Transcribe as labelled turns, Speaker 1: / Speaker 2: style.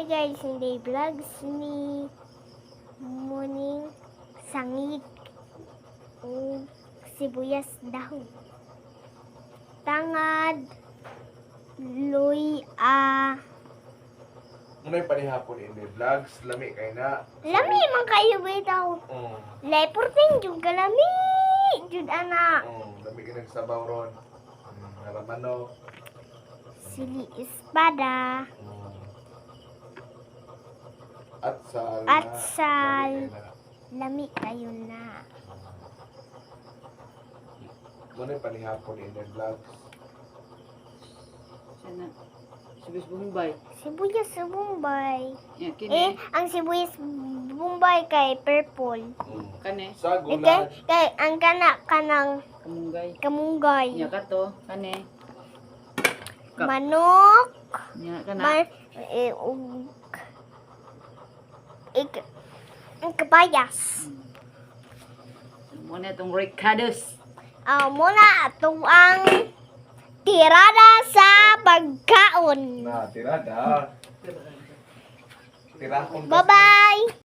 Speaker 1: Hi guys, hindi vlogs ni Muning Sangig o sibuyas dahon. Tangad luya.
Speaker 2: Ano yung panihapon ini vlogs? Lami kay na.
Speaker 1: Lami man kayo bitaw. Leporting jud kalami. Jud ana.
Speaker 2: Lami ka nagsabaw ron. Naramano.
Speaker 1: Sili espada.
Speaker 2: Atsal.
Speaker 1: Atsal. Lami kayo na.
Speaker 2: Ano yung panihapon ini vlogs?
Speaker 3: Sana. Sibuyas Bombay.
Speaker 1: Sibuyas sa Bombay.
Speaker 3: Ya, kini.
Speaker 1: Ang sibuyas Bombay kay purple.
Speaker 3: Kane.
Speaker 2: Sa
Speaker 1: Kay,
Speaker 2: gulay.
Speaker 1: kay ang kanang
Speaker 3: Kamunggay.
Speaker 1: kamunggay.
Speaker 3: Ya, kato. Kane. Kap.
Speaker 1: Manok.
Speaker 3: Ya, kana.
Speaker 1: Ang kabayas.
Speaker 3: Muna itong ricados.
Speaker 1: Muna itong ang tirada sa pagkaon.
Speaker 2: Na, tirada. Tirahon.
Speaker 1: Bye-bye!